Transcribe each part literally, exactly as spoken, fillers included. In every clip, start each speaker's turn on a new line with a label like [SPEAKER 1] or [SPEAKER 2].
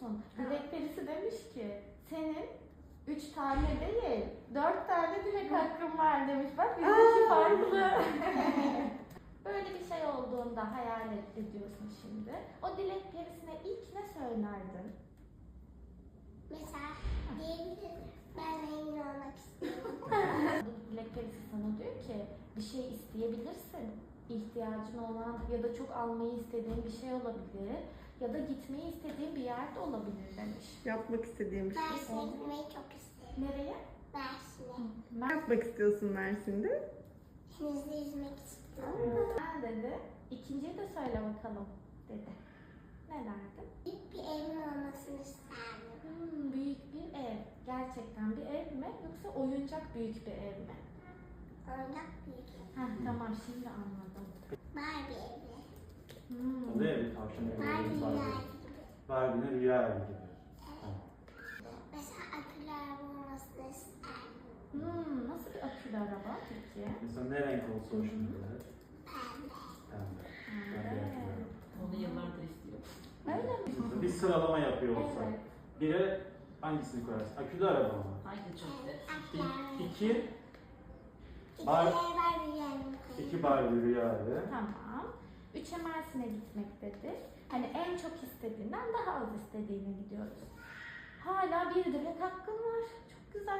[SPEAKER 1] musun? Dilek perisi demiş ki senin üç tane değil, dört tane dilek hakkın var demiş. Bak bizdeki farklı. Böyle bir şey olduğunda hayal et- ediyorsun şimdi. O dilek perisine ilk ne söylerdin?
[SPEAKER 2] Mesela diyebilirim. Ben zengin olmak istiyorum.
[SPEAKER 1] Dilek perisi sana diyor ki bir şey isteyebilirsin. İhtiyacın olan ya da çok almayı istediğin bir şey olabilir. Ya da gitmeyi istediğin bir yerde olabilir demiş.
[SPEAKER 3] Yapmak istediğim bir şey.
[SPEAKER 2] Mersin'e gitmeyi çok isterim.
[SPEAKER 1] Nereye?
[SPEAKER 2] Mersin'e.
[SPEAKER 3] Ne yapmak istiyorsun Mersin'de?
[SPEAKER 2] Denizde yüzmek istiyorum.
[SPEAKER 1] Ha dedi. İkinciyi de söyle bakalım dedi. Ne derdin?
[SPEAKER 2] Büyük bir evim olmasını isterdim.
[SPEAKER 1] Hmm, büyük bir ev. Gerçekten bir ev mi yoksa oyuncak büyük bir ev mi?
[SPEAKER 2] Oyuncak büyük ev.
[SPEAKER 1] Heh, tamam şimdi anladım.
[SPEAKER 2] Barbie evi.
[SPEAKER 1] Hmm.
[SPEAKER 4] Oluyor ya bir tavşan evi.
[SPEAKER 2] Barbie
[SPEAKER 4] Barbie.
[SPEAKER 2] rüya gibi.
[SPEAKER 4] Barbie'nin rüya evi gibi. Tamam.
[SPEAKER 2] Mesela akülü araba olmasını isterdim.
[SPEAKER 1] Hmm, nasıl bir akülü araba peki?
[SPEAKER 4] Mesela ne renk olsa hoşuna gider?
[SPEAKER 2] Pembe.
[SPEAKER 4] Pembe. Pembe
[SPEAKER 1] Evet.
[SPEAKER 4] yapıyor.
[SPEAKER 5] Onu yıllardır istiyor.
[SPEAKER 1] Öyle mi?
[SPEAKER 4] Mesela bir sıralama yapıyor olsak.
[SPEAKER 1] Evet.
[SPEAKER 4] Bire hangisini koyarsın? Akülü araba mı?
[SPEAKER 5] Hangi çok
[SPEAKER 2] Evet,
[SPEAKER 5] güzel.
[SPEAKER 2] akülü araba.
[SPEAKER 4] İ- İki,
[SPEAKER 2] İki
[SPEAKER 4] Bar-
[SPEAKER 2] Barbie rüya evimi koyayım.
[SPEAKER 4] iki Barbie rüya evi.
[SPEAKER 1] Tamam. Üçe Mersin'e gitmek dedi. Hani en çok istediğinden daha az istediğine gidiyoruz. Hala bir dilek hakkın var. Çok güzel.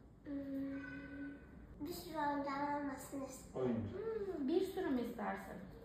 [SPEAKER 2] Hmm, bir sürü oyuncağım olmasını isterim.
[SPEAKER 4] Oyuncak.
[SPEAKER 1] Hmm, bir sürü mü istersin?